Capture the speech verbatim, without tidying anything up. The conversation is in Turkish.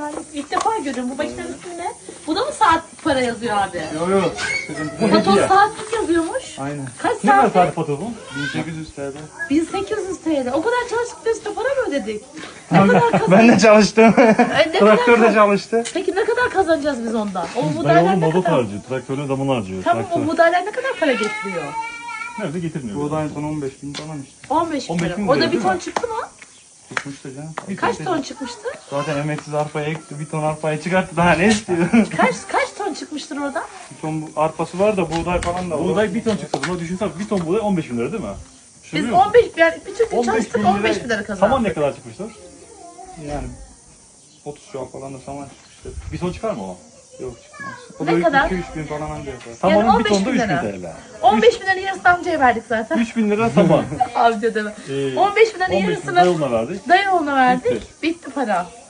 harika. İlk defa görüyorum. Bu makinenin ismi ne? Bu da mı saat para yazıyor abi? Yok yok. Patos saatlik yazıyormuş. Aynen. Kaç Ne kadar saat? saat fotoğrafı? bin sekiz yüz T L. bin sekiz yüz T L. O kadar çalıştık da üstüne para mı ödedik? Ne kadar kazan... Ben de çalıştım. Ay, ne Traktör kadar de çalıştı. Peki ne kadar kazanacağız biz ondan? O Dayı modeller oğlum ne mazot kadar? harcıyor. Traktörün zaman harcıyor. Tamam o Traktör. modeller ne kadar para getiriyor? Nerede getirmiyor. Buğday son on beş bin falan işte. on beş bin on beş lira. bin Orada lira, bir değil ton mi? çıktı mı? Çıkmıştı canım. Kaç ton çıkmıştı? Zaten emeksiz arpaya ekti. Bir ton arpayı çıkarttı. Daha ne istiyor? Kaç kaç ton çıkmıştır orada? Bir ton bu- arpası var da buğday falan da var. Buğday bir ton çıksa buna düşünsem bir ton buğday on beş bin lira değil mi? Biz Düşünüyor musun? on beş yani bütün gün on beş çalıştık bin on beş bin lira Saman kazandık. ne kadar çıkmıştır? Yani otuz şu an falan da saman çıkmıştı. Bir ton çıkar mı o? Yok çıkmaz. O Ne da kadar? iki üç bin falan anca yapar. Samanın on bir beş tonda bin üç bin lira. T L. on beş bin lira yarısını amcaya verdik zaten. üç bin lira saman. Amca deme. Ee, on beş bin lira on beş bin yarısını lira yoluna verdik. dayı oğluna verdik. Bitti. Bitti para.